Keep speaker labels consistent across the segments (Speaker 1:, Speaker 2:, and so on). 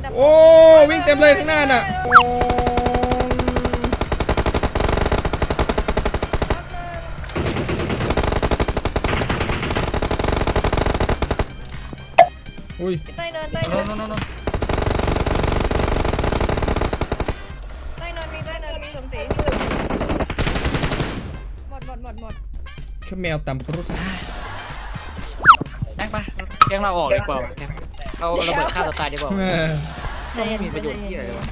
Speaker 1: โอ้วิ่งเต็มเลยข้างหน้าน่ะอุ้ย
Speaker 2: ใต้เนินมีใต้เนินมีสมศรีหมด
Speaker 1: แค่แมวตำปรุส
Speaker 3: แม่งปะแกงเราออกดีกว่าเราระเบิดฆ่าตัวตายดีกว่าไม่มีประโยชน์ที่อะไรเลยวะ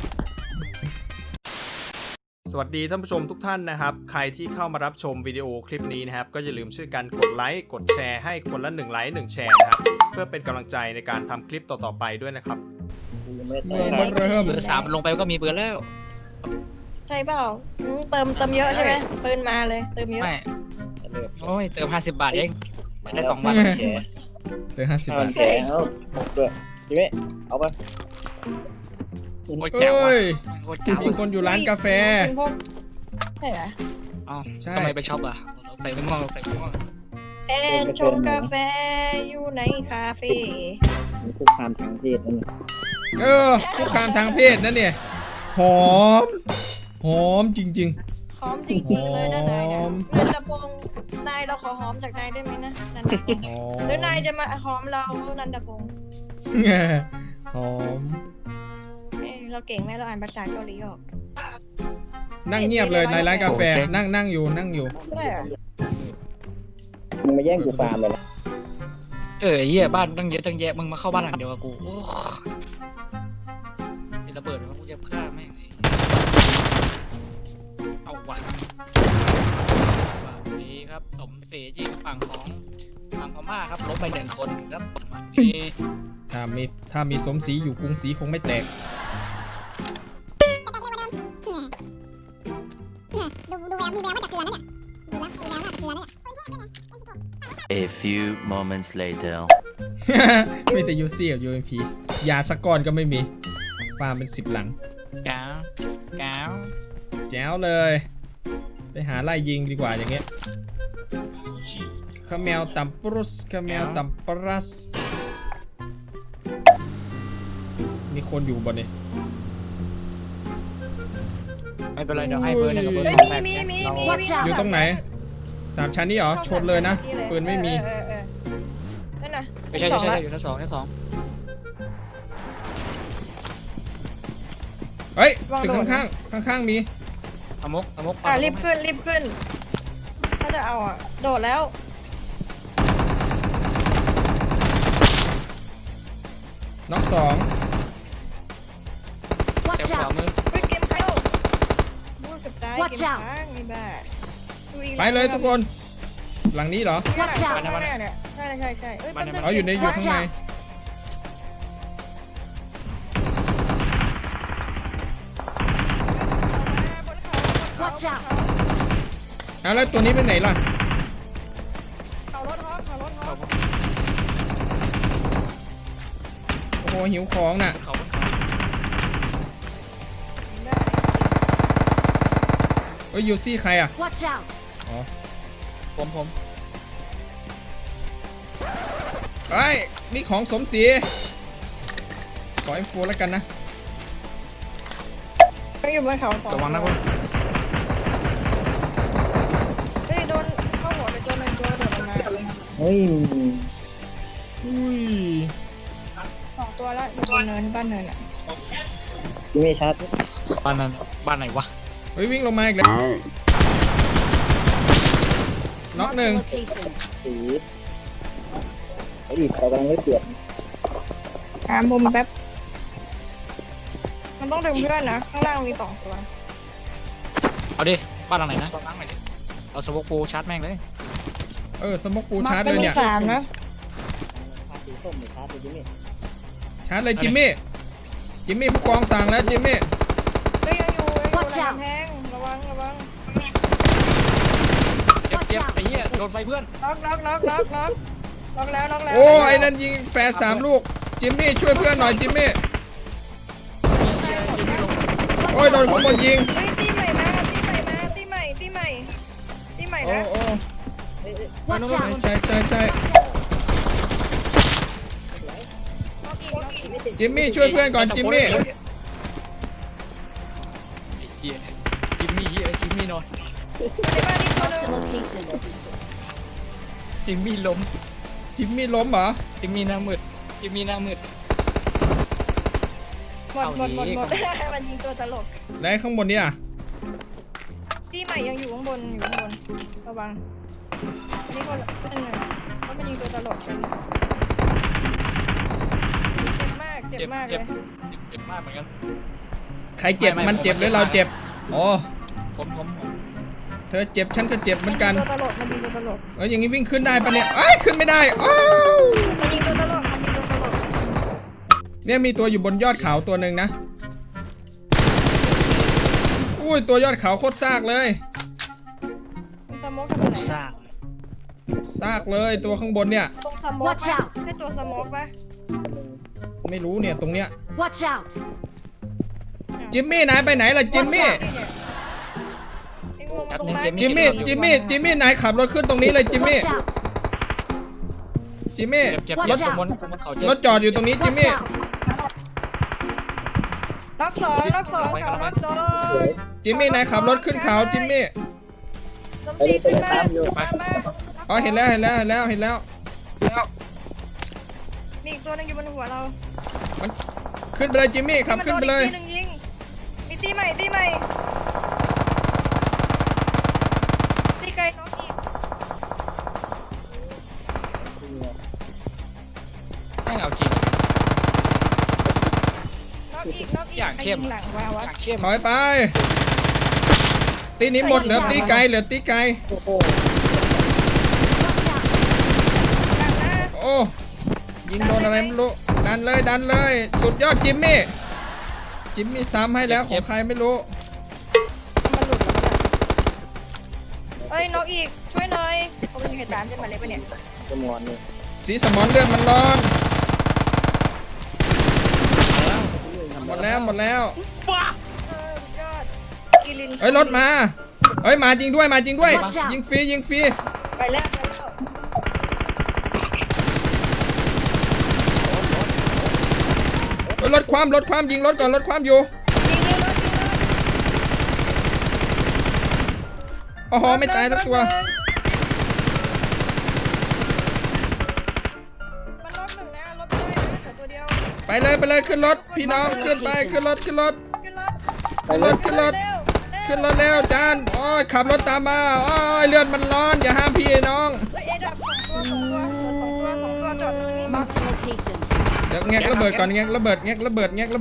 Speaker 1: สวัสดีท่านผู้ชมทุกท่านนะครับใครที่เข้ามารับชมวิดีโอคลิปนี้นะครับก็อย่าลืมช่วยกันกดไลค์กดแชร์ให้คนละ1 ไลค์ 1 แชร์นะครับเพื่อเป็นกำลังใจในการทำคลิปต่อๆไปด้วยนะครับเ
Speaker 3: บอร์ 3ลงไปก็มีเบอร์แล้ว
Speaker 2: ใช่เปล่าเติมเยอะใช่ไหมปืนมาเลยเติมเยอะ
Speaker 3: ไม่โอ้ยเติม50 บาทเองได้2 บาท
Speaker 1: เติม50 บาท
Speaker 4: แล้วด้วยจิเม่เอาไป
Speaker 3: โอ้ยแจ๋ว
Speaker 1: มีคนอยู่ร้านกาแฟ
Speaker 2: ใช่เหรอ
Speaker 3: อ๋อทำไมไปช็อปอ่ะใส่ไม่ม่วง
Speaker 2: แอนชงกาแฟอยู่ในคาเฟ่
Speaker 4: คุกคามทางเพศนั่น
Speaker 1: คุกคามทางเพศนั่นเนี่ยหอมจริง
Speaker 2: หอมจริงๆเลยนะนายเนี่ยนันทพงศ์นายเราขอหอมจากนายได้ไหมนะนันทพงศ์หรือนายจะมาหอมเรานันทพงศ์
Speaker 1: หอม
Speaker 2: เราเก่งไหมเราอ่านภาษาเกาหลีออก
Speaker 1: นั่งเงียบเลยในร้านกาแฟนั่งอยู่
Speaker 4: มึงมาแย่งกูฟาร์มเลยนะ
Speaker 3: เหี้ยบ้านตั้งเยอะตั้งแยะมึงมาเข้าบ้านหลังเดียวกับกูมีระเบิดเลยมึงจะฆ่าแม่งเอาวันนี้ครับสมศรียิงฝั่งพม่าครับล้มไป1 คนครับนี่
Speaker 1: ถ้ามีสมศรีอยู่กรุงศรีคงไม่แตก
Speaker 5: ดูแววมีแววว่าจะเกลือนะเนี่ยดูแล้วมีแววว่าจะเกลือนะเนี่ย
Speaker 6: A few moments later
Speaker 1: มีแต่ยูซี่กับยูเอ็มพียาสกอนก็ไม่มีฟาร์มเป็น10 หลัง
Speaker 3: แ
Speaker 1: จ๋วเลยไปหาไล่ยิงดีกว่าอย่างเงี้ยขมแมวตัมปรุสขมแมวตัมปรัสมีคนอยู่บนนี้
Speaker 3: ไม่เป็นไรเดี๋ยวให้เบอร์1กับเบอร์2แบบนี้
Speaker 1: อยู่ตรงไหน3 ชั้นนี่เหรอชนเลยนะปืนไม่มี
Speaker 2: นั่นน่ะ
Speaker 3: ไม่ใช่อยู่ชั้น 2
Speaker 1: เฮ้ยตึกข้างมี
Speaker 3: อมก
Speaker 2: รีบขึ้นถ้าจะเอาโดดแล้ว
Speaker 1: น็อก2
Speaker 3: เจ็บขวามือ
Speaker 2: เกมเข้าบูกับตายเกมค้างนี่บ้า
Speaker 1: ไปเลยทุกคนหลังนี้เหรอ
Speaker 2: เนี่ยใช่
Speaker 1: เอาอยู่ข้างในเอาแล้วตัวนี้ไปไหนล่ะ
Speaker 2: เอารถฮอป
Speaker 1: โอ้โหหิวของน่ะเฮ้ยยูซี่ใครอ่ะอ๋อ
Speaker 3: ผม
Speaker 1: เฮ้ยนี่ของสมศรีขอ M4 แล้วกันนะ
Speaker 2: ต้องอยู่บนเขา2
Speaker 3: ระวังนะคุณ
Speaker 2: โดนเข้าหัวไปตัวนึงตัวเดือดมา
Speaker 4: เฮ้ย
Speaker 2: 2 ตัวแล้วอยู่บนเนินบ้านเนิน
Speaker 4: จิเม่ชาร์จ
Speaker 3: บ้านไหนวะ
Speaker 1: เฮ้ยวิ่งลงมาอีกแล้วน็อก1
Speaker 4: สีไอ้ดิเขากำลังเปลี่ยน
Speaker 2: มุมแป๊บมันต้องดึงเพื่อนนะข้างล่างมี2 ตัว
Speaker 3: เอาดิบ้านหลังไหนนะเอาสโมกปูชาร์จแม่งเลย
Speaker 1: สโมกปูชาร์จเลยเนี่ย
Speaker 2: 3นะ
Speaker 1: ชาร์จเลยจิมมี่ผู้กองสั่งแล้วจิมมี่
Speaker 2: ยังอยู่แทงระวัง
Speaker 3: เจ็บไอ้เหี้ยโดนไปเพื่อน
Speaker 2: ล็อกแล้ว
Speaker 1: โอ้ไอ้นั่นยิงแฟร์3 ลูกจิมมี่ช่วยเพื่อนหน่อยจิมมี่โอ้ยโดนคนยิง
Speaker 2: ตีใหม่นะ
Speaker 1: โอ้ใช่จิมมี่ช่วยเพื่อนก่อนจิมมี่
Speaker 3: ไอ้เหี้ยจิมมี่เหี้ยจิมมี่นอน
Speaker 2: ในบ้านนี่ตัวนึง
Speaker 5: Location.
Speaker 3: จิมมี่ล้ม
Speaker 1: จิมมี่ล้มเหรอ
Speaker 3: จิมมี่หน้ามืดจิมมี่หน้ามืด
Speaker 2: หมดมันยิงตัวตลก
Speaker 1: แล้วข้างบนเนี่ย
Speaker 2: ที่ใหม่ยังอยู่ข้างบนระวังอันนี้ก็เป็นหนึ่งเพราะมันยิงตัวตลกกันเจ็บมากเลย
Speaker 3: เจ็บมากเหมือนกัน
Speaker 1: ใครเจ็บมันเจ็บหรือเราเจ็บอ๋อ
Speaker 3: ผม
Speaker 1: เธอเจ็บฉันก็เจ็บเหมือนกัน
Speaker 2: ตัวตลกมันยิงตัวตลก
Speaker 1: อย่างนี้วิ่งขึ้นได้ปะเนี่ยเอ้ยขึ้นไม่ได้อ้าว
Speaker 2: มันยิงตัวตลก
Speaker 1: เนี่ยมีตัวอยู่บนยอดเขาตัวหนึ่งนะอุ้ยตัวยอดเขาโคตรซากเลย
Speaker 2: มันสโมกทำอะไร
Speaker 3: สร้าง
Speaker 1: ซากเลยตัวข้างบนเนี่ย
Speaker 2: ตรงสโมก
Speaker 5: Watch out
Speaker 2: ให้ตัวสโมกปะ
Speaker 1: ไม่รู้เนี่ยตรงเนี้ย
Speaker 5: Watch out.
Speaker 1: จิมมี่นายไปไหนล่ะจิมมี่
Speaker 2: ไอ้งูมันตรงนั้น
Speaker 1: จิมมี่นายขับรถขึ้นตรงนี้เลยจิมมี่
Speaker 5: Watch out.
Speaker 1: จิมมี่
Speaker 3: เจ็บ
Speaker 1: รถ
Speaker 3: บนเขาเจ็บ
Speaker 1: รถจอดอยู่ตรงนี้จิม
Speaker 5: Watch
Speaker 1: มี่
Speaker 5: out.
Speaker 2: น็อกสองเขาน็อกสอง
Speaker 1: จิมมี่นายขับรถขึ้นเขาจิมมี่
Speaker 2: สมศรีขึ้นมามา
Speaker 1: อ๋อเห็นแล้ว
Speaker 2: มีอีกตัวนึงอยู่บนหัวเรา
Speaker 1: ขึ้นไปเลยจิมมี่ขับขึ้นไปเลย
Speaker 2: มียิงมีตีใหม่ตีไกลน้องอีก
Speaker 3: แม่งเอาจริง
Speaker 2: น้องอีก
Speaker 3: อย่างเข้ม
Speaker 2: หลังวาวะ
Speaker 3: อย่างเข้ม
Speaker 1: ถอยไป ตีนี้หมดเหลือตีไกล
Speaker 5: Watch out.
Speaker 1: โอ้ยิงโดนอะไรไม่รู้ดันเลยสุดยอดจิมมี่ซ้ำให้แล้วของใครไม่รู้
Speaker 2: มันหลุดแล้วเอ้ยน้องอีกช่วยหน่อยเขาเป็นเหตุการณ์ขึ้นมาเลยปะเนี่ย
Speaker 4: สมอนนี่
Speaker 1: สีสมอนเลือดมันร้อนหมดแล้ว
Speaker 2: ยอดกิลิน
Speaker 1: เฮ้ยรถมาเฮ้ยมาจริงด้วย
Speaker 5: Watch out
Speaker 1: ยิงฟรี
Speaker 2: ไปแล้ว
Speaker 1: เฮ้ยรถความยิงรถก่อนรถความอยู่
Speaker 2: ยิงเลยรถ
Speaker 1: โอ้โหไม่ตายสักตัว
Speaker 2: มันรถหนึ่งนะรถไม่ได้นะแต่ตัวเดียว
Speaker 1: ไปเลยขึ้นรถพี่น้องขึ้นรถ
Speaker 2: ขึ้นรถ
Speaker 1: ขึ้นรถเร็วจานโอ้ยขับรถตามมาโอ้ยเลือดมันร้อนอย่าห้ามพี่น้อง
Speaker 2: เฮ้ยเอดับสองตัวจอดตรงนี้
Speaker 5: Marked location.
Speaker 1: เดี๋ยวแงกระเบิดก่อนแงกระเบิด
Speaker 2: แงก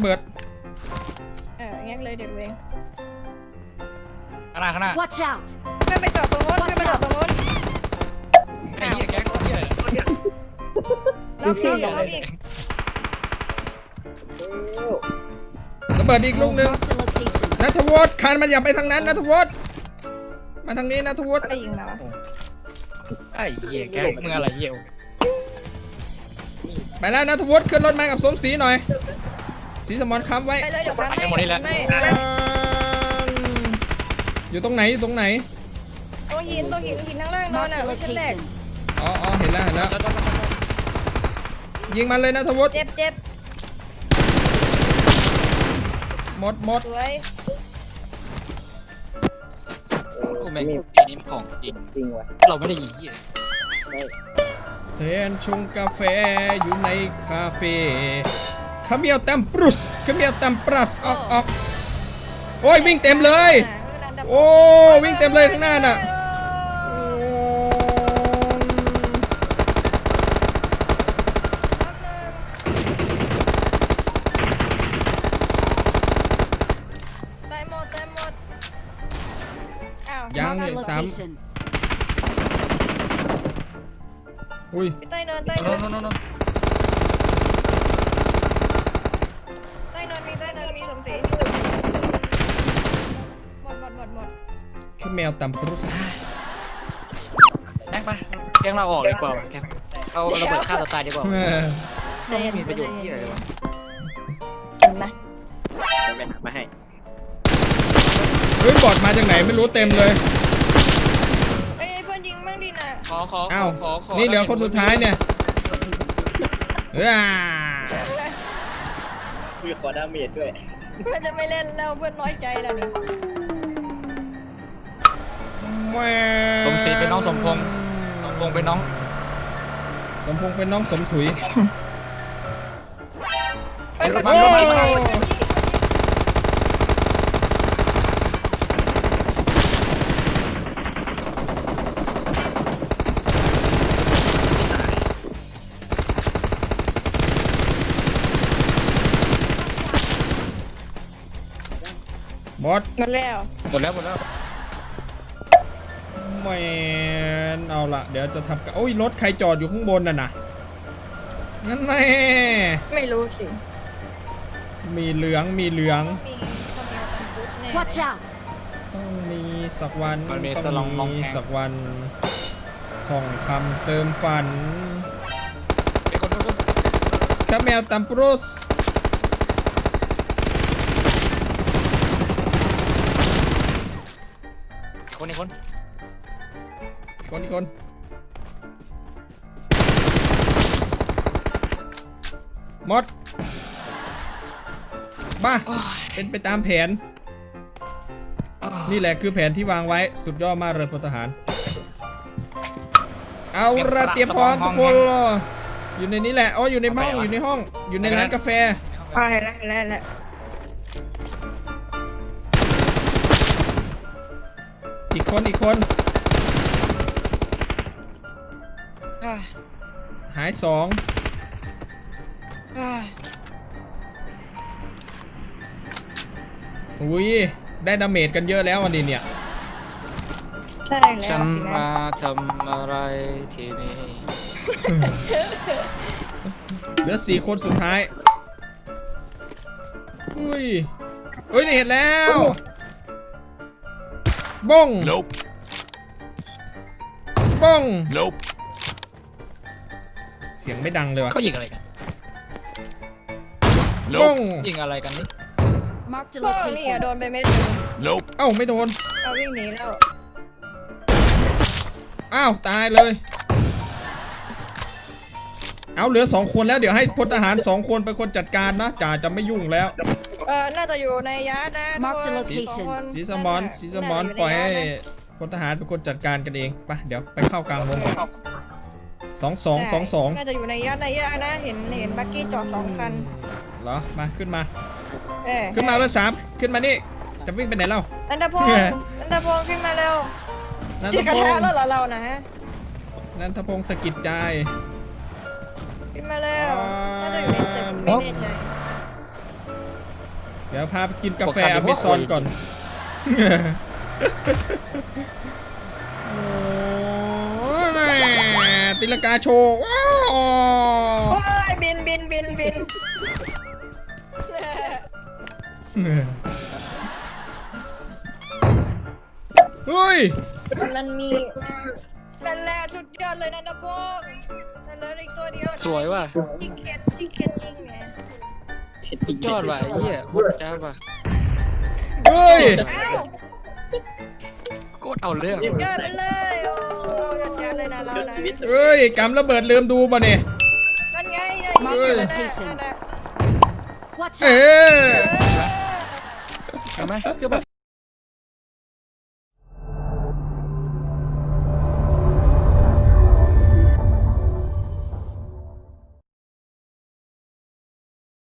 Speaker 2: เลยเดี๋ยวเอง
Speaker 3: ข้างหน้า
Speaker 5: Watch out.
Speaker 2: ขึ้นไปจอดตรงโน้น
Speaker 3: ไอ้เหี้ยแก๊งเหี้ย
Speaker 2: รับอีก
Speaker 1: ระเบิดอีกลูกหนึง
Speaker 5: Marked location.
Speaker 1: นัทวุฒิคันมันอย่าไปทางนั้นนัทวุฒิมาทางนี้นัทวุฒิ
Speaker 2: ไปยิงแล้ว
Speaker 3: ไอ้เหี้ยแก๊งมึงอะไรเหี้ย
Speaker 1: ไปแล้วนัทวุฒิขึ้นรถมากับสมศรีหน่อยสีสมอนค้ำไว้
Speaker 2: ไปเลยเดี๋ยวไปไม่
Speaker 1: อยู่ตรงไหน
Speaker 2: ตรงหินข้างล่างนอนอ่ะ
Speaker 5: Marked
Speaker 2: ไม่ใช่แรก
Speaker 5: location.
Speaker 1: อ๋อเห็นแล้วยิงมันเลยนัทวุฒิ
Speaker 2: เจ็บ
Speaker 1: หมด
Speaker 2: สวย
Speaker 3: กูแม่งปีนี้ของจริง
Speaker 4: จริงว่ะ
Speaker 3: เราไม่ได้ยิงเหี้ย
Speaker 1: แทนชงกาแฟอยู่ในคาเฟ่ขมิ้วแตมปรุสขมิ้วแตมปรัสออกโอ้ยวิ่งเต็มเลยโอ้วิ่งเต็มเลยข้างหน้าน่ะ
Speaker 2: ตายหมดอ้าว
Speaker 1: ยัง
Speaker 5: Marked
Speaker 1: เนี่ยซ้
Speaker 5: location.
Speaker 1: ำอุ้ย
Speaker 2: ใต้เนิน
Speaker 3: โน่น
Speaker 2: มีสมศรีหมด
Speaker 1: ขมิ้วแตมปรุส
Speaker 3: แก๊งไปแก๊งเราออกดีกว่าแก๊งเอาระเบิดฆ่าตัวตายดีกว่าไม่มีประโยชน์ที่อะไรเลยวะ
Speaker 2: เห็นไหม
Speaker 4: ไปหามาให้
Speaker 1: เฮ้ยบอดมาจากไหนไม่รู้เต็มเลย
Speaker 2: เอ้ยเพื่อนยิงมั่งดิน่ะ
Speaker 3: ขอ
Speaker 1: อ้าวนี่เหลือคนสุดท้ายเนี่ย
Speaker 4: มีขอดาเมจด้วย
Speaker 2: เพื่อนจะไม่เล่นแล้วเพื่อนน้อยใจแล้วนี่
Speaker 1: แหม่
Speaker 3: สมศรีเป็นน้องสมพงษ์สมพงษ์เป็นน้อง
Speaker 1: สมพงษ์เป็นน้องสมถุย
Speaker 2: ไปไปไป
Speaker 1: โอ้
Speaker 2: ไป
Speaker 1: บอส
Speaker 2: หมดแล้ว
Speaker 3: หมดแล้ว
Speaker 1: แหม่เอาละเดี๋ยวจะทำกันโอ้ยรถใครจอดอยู่ข้างบนน่ะนะนั่นแน่
Speaker 2: ไม่รู้สิ
Speaker 1: มีเหลือง
Speaker 2: มีคนเอาตันปุ๊บแน่
Speaker 5: Watch out!
Speaker 1: ต้องมีสักวัน
Speaker 3: มันมี
Speaker 1: ต้อง
Speaker 3: สลองมอง
Speaker 1: มี
Speaker 3: แพง
Speaker 1: สักวันท่องคำเติมฝัน
Speaker 3: เป็นคน
Speaker 1: ชาแมวตัมปรุส
Speaker 3: คนอีกคน
Speaker 1: คนหมดบ้าเป็นไปตามแผน นี่แหละคือแผนที่วางไว้สุดยอดมากเลยพลทหาร เอาละเตรียมพร้อมทุกคนอยู่ในนี้แหละอ๋ออยู่ในห้องอยู่ในห้องอยู่ในร้านกาแฟ
Speaker 2: ไปแล้ว
Speaker 1: อีกคน หาย2อุ้ยได้ดาเมจกันเยอะแล้ววันนี้เนี่ย
Speaker 2: ใช่แล้
Speaker 3: ฉั
Speaker 2: วน สินะ
Speaker 3: มาทำอะไรที่นี่
Speaker 1: เหลือ4 คนสุดท้ายอุ้ยเฮ้ยนี่เห็นแล้วบ้ง
Speaker 6: Nope.
Speaker 1: บ้ง
Speaker 6: Nope.
Speaker 1: เสียงไม่ดังเลยว่ะ
Speaker 3: เขายิงอะไรกัน
Speaker 1: บ้ง
Speaker 6: Nope.
Speaker 3: ยิงอะไรกันนี่
Speaker 5: Marked a
Speaker 2: ก็นี่อะ
Speaker 5: location.
Speaker 2: โดนไปเม็ดนึง
Speaker 6: Nope.
Speaker 1: เอ้าไม่โดน
Speaker 2: เอาวิ่งหนีแล้ว
Speaker 1: อ้าวตายเลยเอาเหลือ2 คนแล้วเดี๋ยวให้พลทหาร2 คนเป็นคนจัดการนะจ่าจะไม่ยุ่งแล้ว
Speaker 2: น่าจะอยู่ในยาร์ดนะ
Speaker 5: Mark the
Speaker 2: ทุกคน
Speaker 5: location
Speaker 2: สองคน
Speaker 1: สีสมอนสีสมอน
Speaker 2: น่าจะ
Speaker 1: ปล่อยให้
Speaker 2: ในาร์ดนะ
Speaker 1: พลทหารเป็นคนจัดการกันเองไปเดี๋ยวไปเข้ากลางวงก่อน2-2
Speaker 2: น่าจะอยู่ในยาร์ดนะเห็นบักกี้จอด2 คัน
Speaker 1: เหรอมาขึ้นมา
Speaker 2: เออ
Speaker 1: ขึ้นมาเบอร์3ขึ้นมานี่จะวิ่งไปไหนเล่า
Speaker 2: นันทพงศ์นันทพงศ์ขึ้นมาเร็ว
Speaker 1: นันท
Speaker 2: จิกกระ
Speaker 1: พ
Speaker 2: ทะ
Speaker 1: งศ์
Speaker 2: แล้วเหรอเรานะฮะ
Speaker 1: นันทพงศ์สะกิดใจ
Speaker 2: ขึ้นมาเร็วน่าจะอยู่ในตึกไม่แน่ใจ
Speaker 1: เดี๋ยวพาไปกินกาแฟ
Speaker 3: พวกข้า
Speaker 1: อเมซอน
Speaker 3: พวก
Speaker 1: ก่อนโอ้แม่ตีลังกาโชว์ว้าว
Speaker 2: โอ้ยบิน
Speaker 1: เฮ้ย
Speaker 2: มันมีนั่นแหละสุดยอดเลยนันทพงศ์นั่นเลยอีกตัวเดียวนะ
Speaker 3: สวยว่ะ
Speaker 2: ยิงเข็นยิงไง
Speaker 3: สุดยอดว่ะไอ้เหี้ยโคตรจ้าว่ะ
Speaker 1: เฮ้ย
Speaker 2: อ้าว
Speaker 3: โคตรเอาเรื่อง
Speaker 2: สุดยอ
Speaker 3: ว่ะ
Speaker 2: ดไปเลยโอ้จัดการเลยนะเรานะ
Speaker 1: เฮ้ยกำระเบิดลืมดูป่ะเนี่ย
Speaker 2: นั่นไงเนี่ย
Speaker 5: Mark
Speaker 2: ยิง
Speaker 5: the
Speaker 2: เลยนะ
Speaker 5: location
Speaker 2: นั่นน่ะ
Speaker 5: Watch
Speaker 1: เอ
Speaker 5: out!
Speaker 1: อ
Speaker 3: เห็นไหมเพื่อ